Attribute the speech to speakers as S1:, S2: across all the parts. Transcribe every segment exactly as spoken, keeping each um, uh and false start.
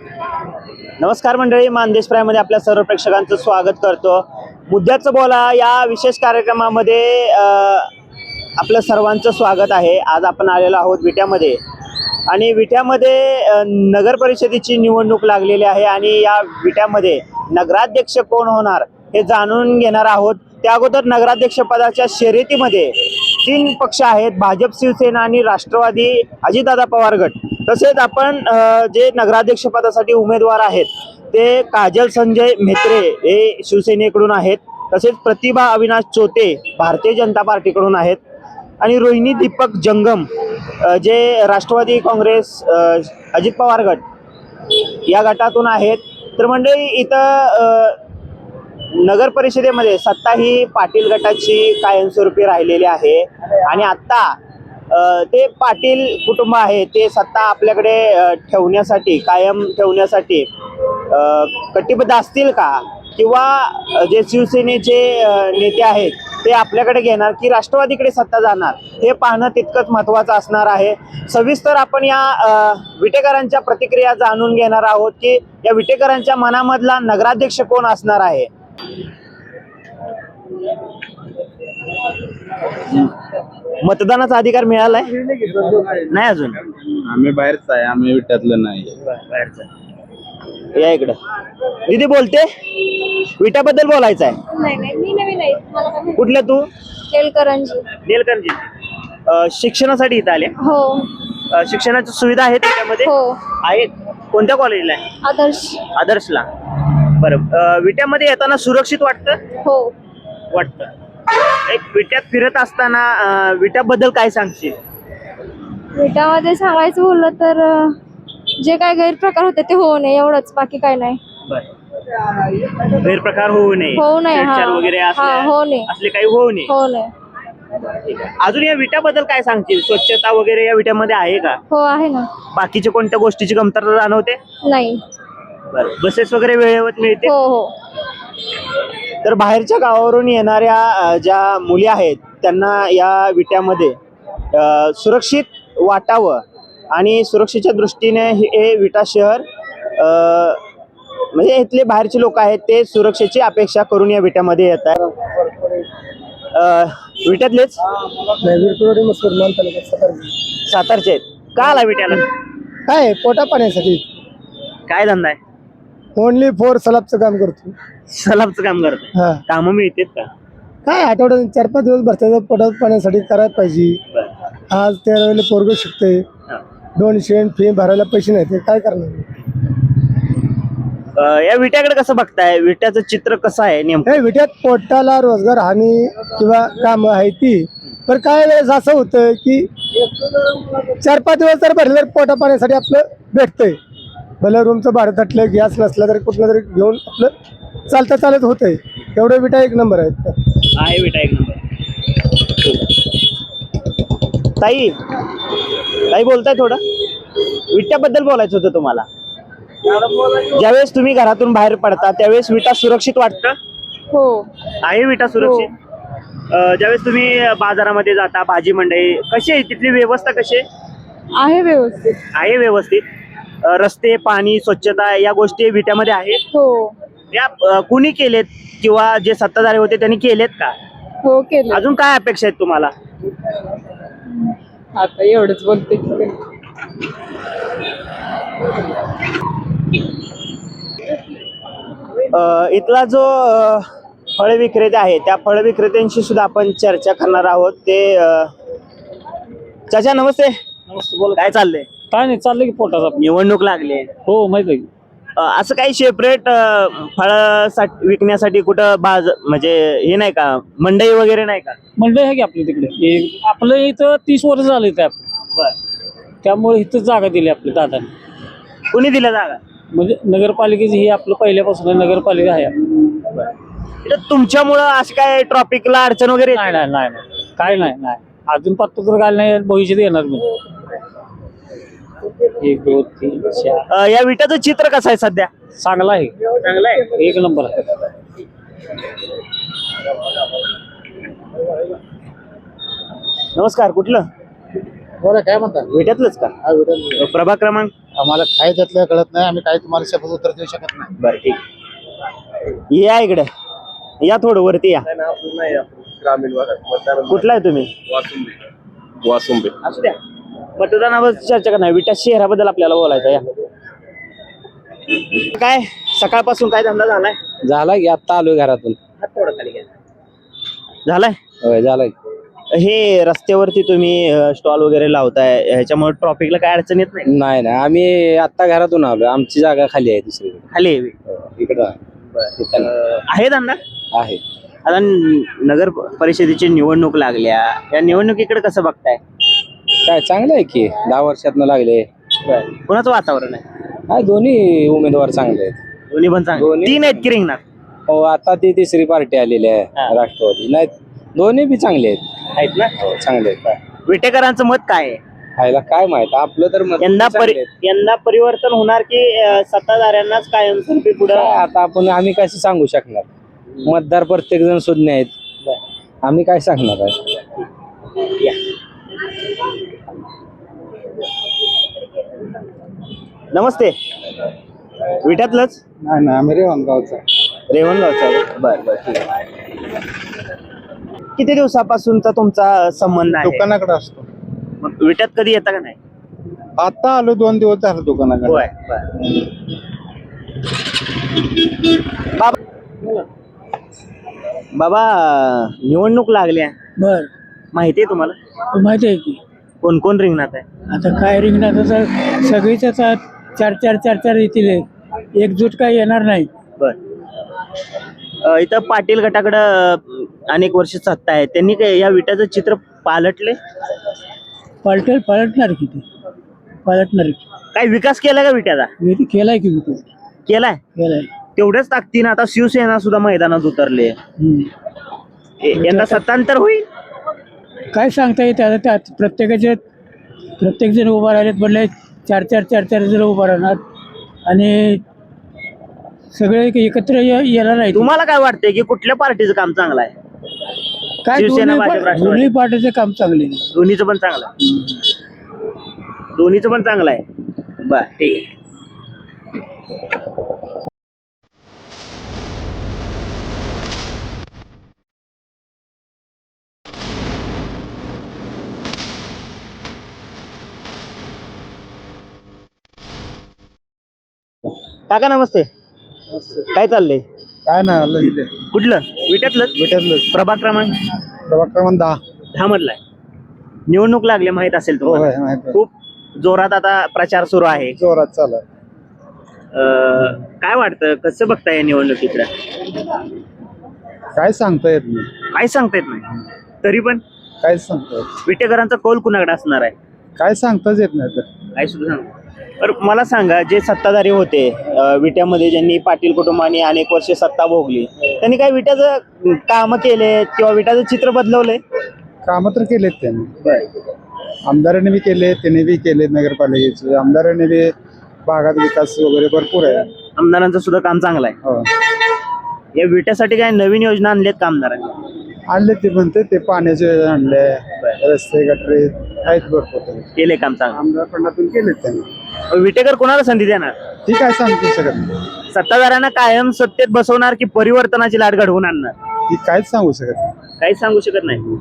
S1: नमस्कार मंडळी, मानदेश प्राईममध्ये आपल्या सर्व प्रेक्षकांचं स्वागत करतो। मुद्द्याचं बोला या विशेष कार्यक्रमामध्ये आपलं सर्वांचं स्वागत आहे। आज आपण आलेलो आहोत विट्यामध्ये आणि विट्यामध्ये नगर परिषदेची निवडणूक लागलेली आहे आणि या विट्यामध्ये नगराध्यक्ष कोण होणार हे जाणून घेणार आहोत। त्या अगोदर नगराध्यक्ष पदाच्या शर्यतीमध्ये तीन पक्ष आहेत, भाजप, शिवसेना आणि राष्ट्रवादी अजितदादा पवार गट। तसेच आपण जे नगराध्यक्ष पदासाठी उमेदवार आहेत ते काजल संजय म्हेत्रे हे शिवसेनेकडून आहेत, तसेच प्रतिभा अविनाश चोते भारतीय जनता पार्टीकडून आहेत आणि रोहिणी दीपक जंगम जे राष्ट्रवादी काँग्रेस अजित पवार गट या गटातून आहेत। तर मंडळी इथं नगर परिषदेमध्ये सत्ता ही पाटील गटाची कायमस्वरूपी राहिलेली आहे आणि आता ते पाटील कुटुंब आहे ते सत्ता आपल्याकडे ठेवण्यासाठी कायम ठेवण्यासाठी कटिबद्ध असतील का, किंवा जे शिवसेनेचे नेते आहेत ते आपल्याकडे घेणार की राष्ट्रवादीकडे सत्ता जाणार हे पाहणं तितकंच महत्त्वाचं असणार आहे। सविस्तर आपण या विटेकरांच्या प्रतिक्रिया जाणून घेणार आहोत की या विटेकरांच्या मनामधला नगराध्यक्ष कोण असणार आहे। मतदानाचा अधिकार मिळालाय नाही अजून?
S2: आम्ही बाहेरच आहे, आम्ही विट्यातलं नाही।
S1: या इकडं दीदी बोलते, विट्याबद्दल बोलायचं आहे।
S3: नाही नाही मी नवीन आहे, मला काय माहिती?
S1: कुठल्या तू?
S3: तेलकरंजी।
S1: तेलकरंजी। शिक्षणासाठी इथं आले?
S3: हो।
S1: शिक्षणाची सुविधा आहे त्याच्यामध्ये?
S3: हो
S1: आहेत। कोणत्या कॉलेजला आहे?
S3: आदर्श।
S1: आदर्शला। बरं, विट्यामध्ये येताना सुरक्षित वाटतं?
S3: हो
S1: वाटतं। एक विट्यात फिरत असताना विट्याबद्दल काय सांगशील?
S3: विट्यामध्ये सांगायचं बोललं तर जे काय गैरप्रकार होते ते होऊ नये एवढंच, बाकी काय नाही।
S1: बरं, गैरप्रकार होऊ नये,
S3: होऊ नये
S1: छेडछाड वगैरे
S3: होऊ नये,
S1: असले काही होऊ नये
S3: होऊ नये।
S1: अजून या विट्याबद्दल काय सांगशील? स्वच्छता वगैरे या विट्यामध्ये आहे का?
S3: हो आहे ना।
S1: बाकीच्या कोणत्या गोष्टीची कमतरता जाणवते?
S3: नाही।
S1: बरं, बसेस वगैरे वेळेवर मिळते?
S3: हो हो।
S1: तर बाहेरच्या गावावरून येणाऱ्या ज्या मुली आहेत त्यांना या विट्यामध्ये सुरक्षित वाटावं आणि सुरक्षेच्या दृष्टीने हे विटा शहर म्हणजे इथले बाहेरचे लोक आहेत ते सुरक्षेची अपेक्षा करून या विट्यामध्ये येत आहेत। विट्यातलेच सातारचे आहेत का आला विट्याला?
S4: काय पोटा पाण्यासाठी।
S1: काय धंदा आहे?
S4: ओनली फोर सलाबचं काम करतो।
S1: सलाबचं काम करतो?
S4: हा।
S1: कामं मिळतात का?
S4: काय आठवड्यात चार पाच दिवस भरतात, पोटा पाण्यासाठी करायला पाहिजे। आज तेरा वेळेला पोरग शिकते, दोन शेण फी भरायला पैसे नाही, ते काय करणार?
S1: या विट्याकडे कसं बघताय? विट्याचं चित्र कसं आहे नेमकं?
S4: विट्यात पोटाला रोजगार हानी किंवा काम आहे ती, पण काय वेळेस असं होतं की चार पाच दिवस जर भरले तर पोटा पाण्यासाठी आपलं भेटतंय। भले रूमचं भाडं थटलं, गॅस नसला तरी कुठलं तरी घेऊन आपलं चालता चालत होतंय। एवढं विटा एक नंबर आहेत।
S1: आहे विटा एक नंबर। ताई ताई बोलताय? थोडं विट्याबद्दल बोलायचं होतं तुम्हाला। ज्यावेळेस तुम्ही घरातून बाहेर पडता त्यावेळेस विटा सुरक्षित वाटतं?
S3: हो
S1: आहे विटा सुरक्षित? ज्यावेळेस तुम्ही बाजारामध्ये जाता, भाजी मंडई कशी आहे तिथली व्यवस्था? कशी
S3: आहे? व्यवस्थित
S1: आहे। व्यवस्थित रस्ते, पाणी, स्वच्छता या गोष्टी विट्यामध्ये आहेत?
S3: हो।
S1: या कुणी केलेत किंवा जे सत्ताधारी होते त्यांनी केलेत का?
S3: हो केले।
S1: अजून काय अपेक्षा आहेत तुम्हाला?
S3: आता एवढंच बोलते।
S1: इथला जो फळ विक्रेते आहे त्या फळ विक्रेत्यांशी सुद्धा आपण चर्चा करणार आहोत। ते चाचा नमस्ते। काय चाललंय?
S5: काय नाही, चाललंय की पोटाचा।
S1: निवडणूक लागली?
S5: हो माहित आहे।
S1: असं काही सेपरेट फळ विकण्यासाठी कुठं बाज म्हणजे हे नाही का, मंडई वगैरे नाही का?
S5: मंडई आहे की आपल्या तिकडे, आपलं इथं तीस वर्ष झाले त्या, त्यामुळे इथं जागा दिली आपल्या दादाने।
S1: कुणी दिलं जागा?
S5: म्हणजे नगरपालिकेची ही आपलं पहिल्यापासून नगरपालिका आहे।
S1: तुमच्यामुळं असं काय ट्रॉफिकला अडचण वगैरे?
S5: नाही नाही नाही काय नाही नाही अजून पत्ता तर काय नाही, भविष्यात येणार मी। एक दोन तीन चार।
S1: या विटाचं चित्र कसं आहे सध्या?
S5: चांगला आहे,
S1: चांगला आहे,
S5: एक नंबर आहे।
S1: नमस्कार, कुठलं?
S4: बोला, काय म्हणता?
S1: विट्यातलंच का? प्रभाग क्रमांक?
S2: आम्हाला काय त्यातलं कळत नाही. आम्ही काय तुम्हाला शब्द उत्तर देऊ शकत नाही.
S1: बरं ठीक या इकडे या थोडं वरती या.
S2: ग्रामीण भागात
S1: कुठला आहे तुम्ही?
S2: वासुंबे वासुंबे
S1: असू द्या. मतदानावर चर्चा करणार विटा शहराबद्दल आपल्याला बोलायचं या. काय सकाळपासून काय धंदा झालाय?
S5: झाला की आता आलोय घरातून.
S1: हात थोडं खाली घ्या. झालाय.
S5: होय झालाय.
S1: हे रस्त्यावरती तुम्ही स्टॉल वगैरे लावताय ह्याच्यामुळे ट्रॉफिकला काय अडचण येत नाही?
S5: नाही नाही आम्ही आता घरातून आलो. आमची जागा खाली आहे दुसरीकडे.
S1: खाली आहे.
S5: इकडं
S1: अं, आहे धंदा
S5: आहे.
S1: आता न- नगर परिषदेची निवडणूक लागल्या या निवडणुकीकडे कसं बघताय?
S5: काय चांगलं आहे की दहा वर्षातनं लागले.
S1: कोणाचं वातावरण आहे?
S5: काय दोन्ही उमेदवार चांगले आहेत.
S1: दोन्ही पण चांगले.
S5: दोन्ही-
S1: तीन आहेत की रिंगणात?
S5: हो आता ती तिसरी पार्टी आलेली आहे
S1: हा.
S5: राष्ट्रवादी. नाही दोन्ही बी चांगले आहेत.
S1: आहेत ना.
S5: हो चांगले आहेत.
S1: विटेकरांचं मत काय आहे?
S5: खायला काय माहित आपलं तर मत
S1: यंदा
S5: चांगले
S1: परि
S5: आहेत.
S1: यंदा परिवर्तन होणार की अं, सत्ताधाऱ्यांनाच कायमस्वरूपी पुढे?
S5: काय आता आपण आम्ही कसं सांगू शकणार. मतदार प्रत्येक जण शून्य आहेत. आम्ही काय सांगणार आहे.
S1: नमस्ते. विट्यातलंच?
S2: नाही नाही आम्ही रेवणगावचा
S1: रेवणगावचा. बर बर ठीक आहे. किती दिवसापासूनचा तुमचा संबंध आहे?
S2: दुकानाकडे असतो.
S1: मग विट्यात कधी येता का नाही?
S2: आता आलो दोन दिवस झाले दुकानाकडे.
S1: होय. बर. बाबा बाबा निवडणूक लागल्या
S6: बर
S1: माहिती आहे तुम्हाला?
S6: माहिती आहे की
S1: कोण कोण रिंगणात आहे?
S6: आता काय रिंगणात तर सगळीच आता चार चार चार चार येतील. एकजूट काय येणार नाही.
S1: बर. अ, इथं पाटील गटाकडं अ, अनेक वर्ष सत्ता आहे. त्यांनी काय या विट्याचं चित्र पालटले?
S6: पलटेल पलटणार किती पलटणार की
S1: काय विकास केला का विट्याचा?
S6: मी ते केलाय की विकास
S1: केलाय.
S6: केलाय.
S1: तेवढ्याच ताकदीनं आता शिवसेना सुद्धा मैदानात उतरले.
S6: हम्म.
S1: यंदा सत्तांतर होईल?
S6: काय सांगता येते आता त्यात प्रत्येकाचे प्रत्येक जण उभा राहिलेत म्हणले चार चार चार चार जण उभा राहणार आणि सगळे एकत्र ये- येणार नाही.
S1: तुम्हाला काय वाटतंय की कुठल्या पार्टीचं काम चांगलं आहे?
S6: काय
S1: शिवसेना,
S6: दोन्ही
S1: भाजप,
S6: पा-
S1: राष्ट्रवादी?
S6: दोन्ही पार्टीचे काम चांगले आहे.
S1: दोन्हीचं पण चांगलं आहे. दोन्हीचं पण चांगलं आहे. बर ठीक आहे. काका नमस्ते. काय चाललंय?
S2: काय नाही आलं इथे
S1: कुठलं? विट्यातलं?
S2: भेटलं
S1: प्रभाग क्रमांक
S2: प्रभाग क्रमांक दहा.
S1: दहा मधलाय. निवडणूक लागली माहित असेल
S2: हो
S1: तुम्हाला.
S2: माहिती
S1: खूप जोरात आता प्रचार सुरू आहे.
S2: जोरात चालू आहे.
S1: अं, काय वाटतं कसं बघताय या निवडणुकीकडे?
S2: काय सांगता येत नाही.
S1: काय सांगता येत नाही. तरी पण
S2: काय सांगता येत
S1: विटेकरांचा कौल कुणाकडे असणार आहे?
S2: काय सांगताच येत नाही तर.
S1: काय सुद्धा सांग. तर मला सांगा जे सत्ताधारी होते अं, विट्यामध्ये ज्यांनी पाटील कुटुंबाने अनेक वर्षे सत्ता भोगली त्यांनी काय विट्याचं काम केले किंवा विट्याचं चित्र बदलवलंय?
S2: कामं तर केलेत त्यांनी. आमदारांनी बी केले त्यांनी बी केले. नगरपालिकेचे आमदारांनी बी भागात विकास वगैरे भरपूर आहे.
S1: आमदारांचं सुद्धा काम चांगलं आहे.
S2: हो
S1: या विट्यासाठी काय नवीन योजना आणल्यात का आमदारांनी?
S2: आणले ते म्हणते ते पाण्याचे आणले रस्ते गटरे आहेत भरपूर.
S1: केले काम चांगलं.
S2: आमदारपणातून केलेत त्यांनी.
S1: विटेकर कोणाला संधी देणार?
S2: ती काय सांगू शकत नाही.
S1: सत्ताधाऱ्यांना कायम सत्तेत बसवणार की परिवर्तनाची लाट घडवून आणणार?
S2: ती काहीच सांगू शकत नाही.
S1: काहीच सांगू शकत नाही.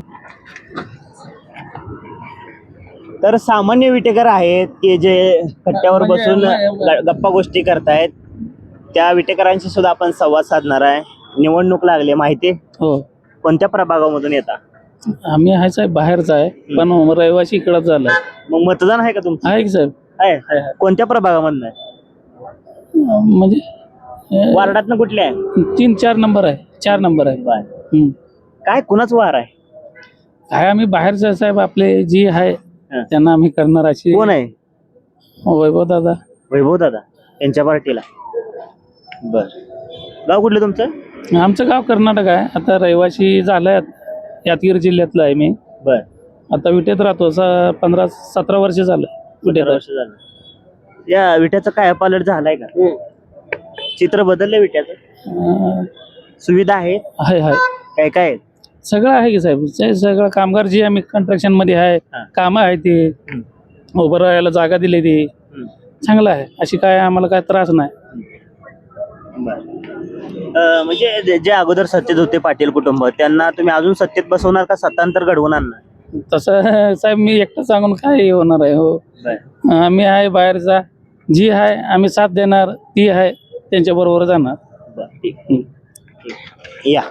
S1: तर सामान्य विटेकर आहेत की जे कट्ट्यावर बसून ग- गप्पा गोष्टी करतायत त्या विटेकरांशी सुद्धा आपण संवाद साधणार आहे. निवडणूक लागली माहिती?
S6: हो
S1: कोणत्या प्रभागामधून येता?
S6: आम्ही आहे साहेब बाहेरचा आहे पण रहिवासी इकडं झालाय.
S1: मग मतदान आहे का तुमचं?
S6: आहे की साहेब
S1: आहे. कोणत्या प्रभागामधून आहे?
S6: अं, म्हणजे अं,
S1: वार्डातनं कुठले आहे?
S6: तीन चार नंबर आहे. चार नंबर आहे.
S1: बर.
S6: हम्म.
S1: काय कुणाच वार आहे?
S6: काय आम्ही बाहेरचं साहेब आपले जी आहे
S1: हा.
S6: त्यांना आम्ही करणार अशी.
S1: कोण आहे?
S6: वैभव दादा.
S1: वैभव दादा यांच्या पार्टीला. बर. गाव कुठलं तुमचं?
S6: आमचं गाव कर्नाटक आहे. आता रहिवासी झालाय यादगीर जिल्ह्यातलं आहे मी.
S1: बर.
S6: आता विटेत राहतो. स- पंधरा सतरा वर्ष झालं विटेत.
S1: वर्ष झालं. या विट्याचं काय पालट झालाय का? चित्र बदललंय विट्याचं?
S6: अं,
S1: सुविधा आहे
S6: आहे आहे
S1: काय काय आहेत?
S6: सगळं आहे की साहेब. ते सगळं कामगार जे आम्ही कंस्ट्रक्शन मध्ये आहे
S1: हा.
S6: कामं आहे ते उभं राहायला जागा दिली ती चांगलं आहे, अशी काय आम्हाला काय त्रास नाही.
S1: अं, म्हणजे जे- जे अगोदर सत्तेत होते पाटील कुटुंब त्यांना तुम्ही अजून सत्तेत बसवणार का सत्तांतर घडवून आणणार?
S6: तसं साहेब मी एकटं सांगून काय होणार आहे. हो आम्ही आहे बाहेरचा, जी आहे आम्ही साथ देणार, ती आहे त्यांच्या बरोबर जाणार.
S1: या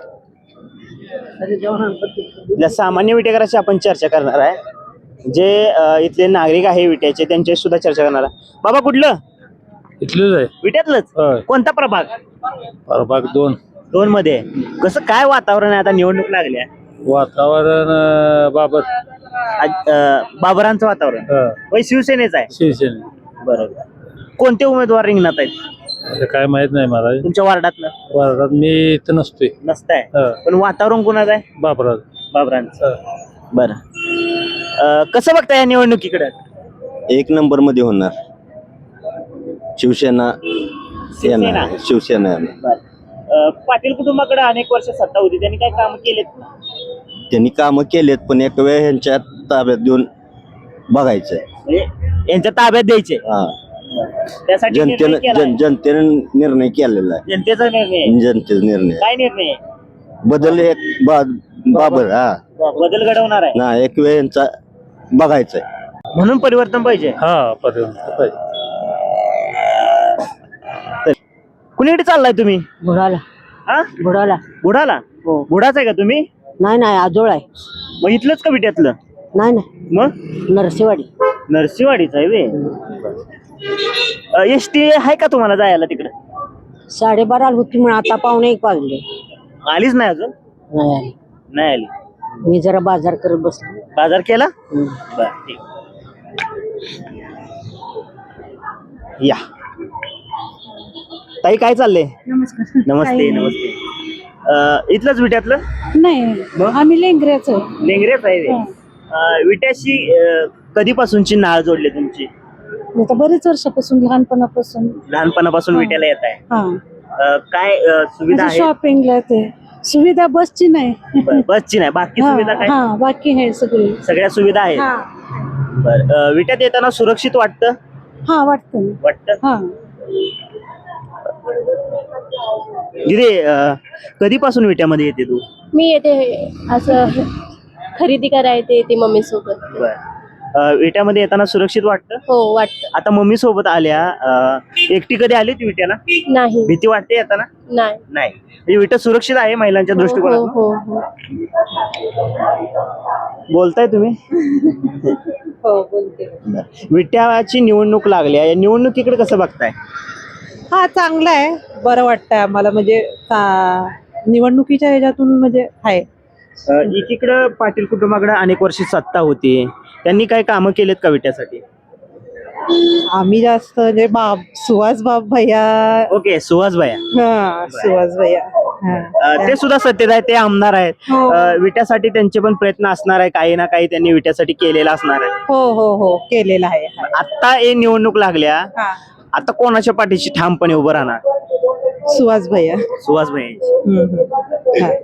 S1: या सामान्य विटेकरांशी आपण चर्चा करणार आहे. जे अं, इथले नागरिक आहे विट्याचे त्यांच्याशी सुद्धा चर्चा करणार आहे. बाबा कुठलं?
S5: इथलंच आहे.
S1: विट्यातलंच. कोणता प्रभाग?
S5: प्रभाग दोन.
S1: दोन मध्ये आहे. कसं काय वातावरण आहे आता निवडणूक लागल्या?
S5: वातावरण बाबत
S1: आज, अं, बाबरांचं वातावरण होय शिवसेनेचं आहे.
S5: शिवसेने
S1: बरोबर. कोणते उमेदवार रिंगणात आहेत
S5: काय माहित नाही मला.
S1: तुमच्या वार्डातलं?
S5: वार्डात मी इथं नसतोय.
S1: नसताय पण वातावरण कोणाचं आहे?
S5: बापरात.
S1: बाबरांचं. बरं. अं, कसं बघताय या निवडणुकीकडे?
S7: एक नंबर मध्ये होणार शिवसेना.
S1: शिवसेना.
S7: येणार. शिवसेना येणार.
S1: बरं. अं, पाटील कुटुंबाकडे अनेक वर्ष सत्ता होती त्यांनी काय काम केलेत?
S7: त्यांनी कामं केलेत पण एक वेळ ह्यांच्या ताब्यात देऊन बघायचंय.
S1: म्हणजे यांच्या ताब्यात द्यायचे.
S7: हा.
S1: त्यासाठी निर्णय
S7: जनतेनं
S1: केलाय.
S7: जन जनतेने निर्णय केलेला आहे.
S1: जनतेचा निर्णय आहे.
S7: जनतेचा निर्णय
S1: काय निर्णय आहे?
S7: बदल एक बा- बाबर हा
S1: बदल घडवणार आहे
S7: ना एक वेळ यांचा बघायचंय.
S1: म्हणून परिवर्तन पाहिजे.
S5: हा पर्यंत
S1: कुणीकडे चाललाय तुम्ही?
S8: बुडाला
S1: हा
S8: बुडाला
S1: बुडाला.
S8: हो.
S1: बुडाच आहे का तुम्ही?
S8: नाही नाही आजोळ आहे.
S1: मग इथलंच का विट्यातलं?
S8: नाही नाही
S1: मग
S8: नरसेवाडी.
S1: नरसिंहवाडीच आहे वे. एस टी आहे का तुम्हाला जायला तिकडे?
S8: साडेबाराला होती म्हणून आता पावणे एक वाजले.
S1: आलीच नाही अजून?
S8: नाही आली.
S1: नाही आली.
S8: मी जरा बाजार करत बसलो.
S1: बाजार केला?
S8: हम्म.
S1: बर ठीक. या ताई काय चाललंय?
S3: नमस्कार.
S1: नमस्ते नमस्ते. अं, इथलंच विट्यातलं?
S3: नाही
S1: मग?
S3: आम्ही लेंगऱ्याच
S1: लेंगरेच आहे वे. अं, विट्याशी अं, कधीपासूनची नाळ जोडली तुमची?
S3: आता बरेच वर्षापासून लहानपणापासून
S1: लहानपणापासून विट्याला येत आहे.
S3: हा
S1: अं, काय अं, सुविधा आहे?
S3: शॉपिंगला ते सुविधा बसची नाही.
S1: बरं, बसची नाही बाकी सुविधा काय?
S3: हा बाकी आहे सगळी.
S1: सगळ्या सुविधा आहेत.
S3: हा
S1: बरं. अं, विट्यात येताना सुरक्षित वाटतं?
S3: हा वाटतं ना.
S1: वाटतं.
S3: हा
S1: दिदे अं, कधीपासून विट्यामध्ये येते तू?
S9: मी येते असं खरेदी करायला येते मम्मी सोबत.
S1: बरं. अं, विट्यामध्ये येताना सुरक्षित वाटतं?
S9: हो वाटतं.
S1: आता मम्मी सोबत आल्या, अं, एकटी कधी आली ती विट्याला?
S9: नाही
S1: भीती वाटते येताना?
S9: नाही.
S1: नाही. म्हणजे विटा सुरक्षित आहे महिलांच्या
S9: हो हो
S1: दृष्टिकोनातून?
S9: हो हो
S1: बोलताय तुम्ही?
S9: हो बोलते.
S1: विट्याची निवडणूक लागली आहे, या निवडणुकीकडे कसं बघताय?
S10: हा चांगला आहे, बरं वाटतंय आम्हाला. म्हणजे चा- निवडणुकीच्या ह्याच्यातून म्हणजे आहे.
S1: अं, एकीकडं पाटील कुटुंबाकडे अनेक वर्षी सत्ता होती, त्यांनी काय कामं केलेत का विट्यासाठी?
S10: आम्ही जास्त म्हणजे बाब सुहास बाब भैया.
S1: ओके. सुहास भैया.
S10: हा सुहास भैया. हा.
S1: अं, ते सुद्धा सत्तेत आहेत, ते आमदार आहेत.
S10: हो.
S1: अं, विट्यासाठी त्यांचे पण प्रयत्न असणार आहे, काही ना काही त्यांनी विट्यासाठी केलेला असणार आहे.
S10: हो हो हो केलेला आहे.
S1: आता हे निवडणूक लागल्या,
S10: हा.
S1: आता कोणाच्या पाठीशी ठामपणे उभं राहणार?
S10: सुहास भैया.
S1: सुहास भैया.
S10: हम्म, हम्म. हा.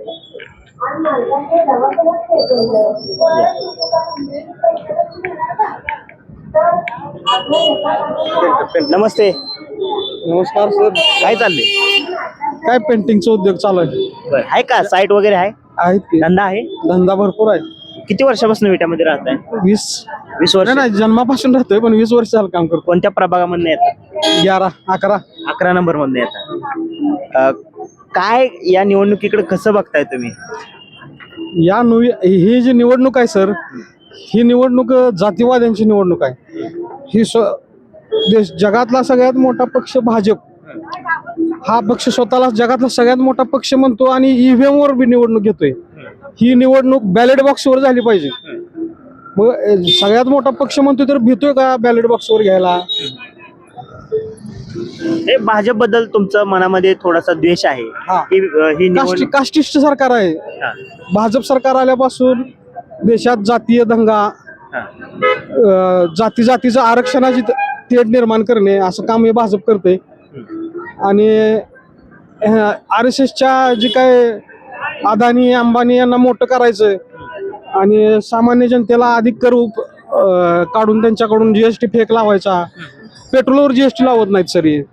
S1: नमस्ते.
S2: नमस्कार सर.
S1: काय चाललंय?
S2: काय पेंटिंगचा उद्योग चालू आहे?
S1: बरं. आहे का साईट वगैरे आहे?
S2: आहेत की
S1: धंदा आहे?
S2: धंदा भरपूर आहे.
S1: किती वर्षापासून विट्यामध्ये राहताय?
S2: वीस
S1: वीस वर्ष.
S2: नाही नाही, जन्मापासून राहतोय पण वीस वर्ष झालं काम करतो.
S1: कोणत्या प्रभागामधून येतात?
S2: ग्यारा अकरा.
S1: अकरा नंबर मधून येतात. अं, काय या निवडणुकीकडे कसं बघताय तुम्ही?
S2: या नवी ही जी निवडणूक आहे सर, ही निवडणूक जातीवाद्यांची निवडणूक आहे. ही स्व देश जगातला सगळ्यात मोठा पक्ष भाजप हा पक्ष स्वतःला जगातला सगळ्यात मोठा पक्ष म्हणतो आणि ईव्हीएम वर बी निवडणूक घेतोय. ही निवडणूक बॅलेट बॉक्सवर झाली पाहिजे. मग अ, सगळ्यात मोठा पक्ष म्हणतोय तर भीतोय का बॅलेट बॉक्सवर घ्यायला?
S1: हे भाजप बद्दल तुमचं मनामध्ये थोडासा द्वेष आहे
S2: हा.
S1: की अं, ही
S2: कास्टि
S1: निवडणूक
S2: कास्टिस्ट सरकार आहे.
S1: हा.
S2: भाजप सरकार आल्यापासून देशात जातीय दंगा,
S1: हा.
S2: अ, जाती जातीचं आरक्षणाची त- तेढ निर्माण करणे असं काम हे भाजप करते. आणि आर एस एसच्या जे काय अदानी अंबानी यांना मोठं करायचं आणि सामान्य जनतेला अधिक कर उप- अ, काढून त्यांच्याकडून जीएसटी फेक लावायचा, पेट्रोलवर जीएसटी लावत नाहीत सर हे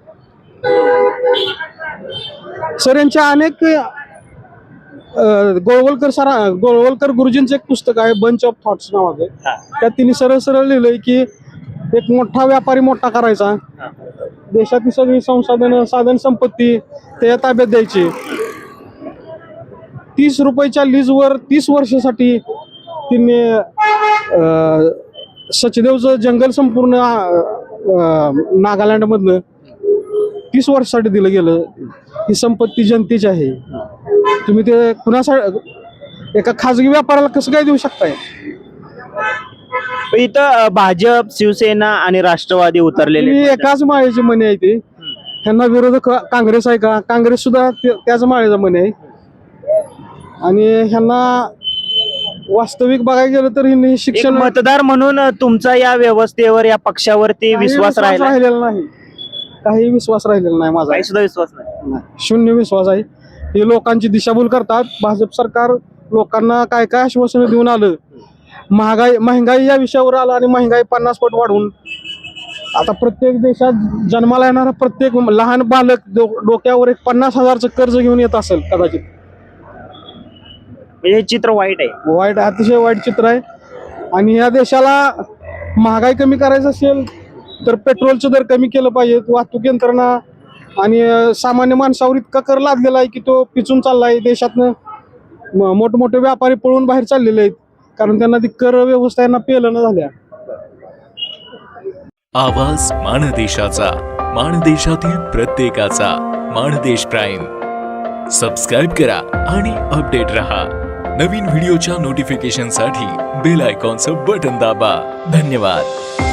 S2: सर यांच्या अनेक अं, गोळवलकर सर गोळवलकर गुरुजींचं एक पुस्तक आहे बंच ऑफ थॉट्स नावाचं त्यात तिने सरळ सरळ लिहिलंय की एक मोठा व्यापारी मोठा करायचा देशातील सगळी संसाधन साधन संपत्ती त्याच्या ताब्यात द्यायची तीस रुपयाच्या लीजवर तीस वर्षासाठी तिने अं, सचदेवचं जंगल संपूर्ण नागालँड मधलं तीस वर्षासाठी दिलं गेलं ही संपत्ती जनतेची आहे तुम्ही ते कुणासाठी एका खाजगी व्यापाराला कसं काय देऊ शकताय
S1: इथं अं, भाजप शिवसेना आणि राष्ट्रवादी उतरलेले
S2: तुम्ही
S1: आहेत.
S2: एकाच माळेची मणी आहे ते ह्यांना विरोधक काँग्रेस आहे का काँग्रेस सुद्धा ते- त्याच माळेचा मणी आहे आणि ह्यांना वास्तविक बघायला गेलं तर ह्यांनी
S1: एक
S2: शिक्षण
S1: मतदार म्हणून तुमचा या व्यवस्थेवर या पक्षावरती
S2: काही
S1: विश्वास राहिला
S2: राहिलेला नाही काही विश्वास राहिलेला नाही माझा
S1: काही सुद्धा विश्वास नाही
S2: नाही. शून्य विश्वास आहे हे लोकांची दिशाभूल करतात भाजप सरकार लोकांना काय काय आश्वासनं देऊन आलं महागाई महागाई या विषयावर आलं आणि महागाई पन्नास पट वाढवून आता प्रत्येक देशात जन्माला येणारा प्रत्येक लहान बालक डो- डोक्यावर एक पन्नास हजारचं कर्ज घेऊन येत असेल कदाचित
S1: म्हणजे हे चित्र वाईट आहे
S2: वाईट अतिशय वाईट चित्र आहे आणि या देशाला महागाई कमी करायचं असेल तर पेट्रोलचं दर कमी केलं पाहिजे वाहतूक यंत्रणा आणि अं, सामान्य माणसावर इतका कर लादलेला आहे की तो पिचून चाललाय देशातनं म- मोठमोठे व्यापारी पळून बाहेर चाललेले आहेत कारण त्यांना ती कर व्यवस्था यांना पेलं न झाल्या
S11: आवाज माणदेशाचा माणदेशातील प्रत्येकाचा माणदेश प्राईम सबस्क्राईब करा आणि अपडेट रहा नवीन व्हिडिओच्या नोटिफिकेशनसाठी बेल आयकॉनचं बटन दाबा धन्यवाद.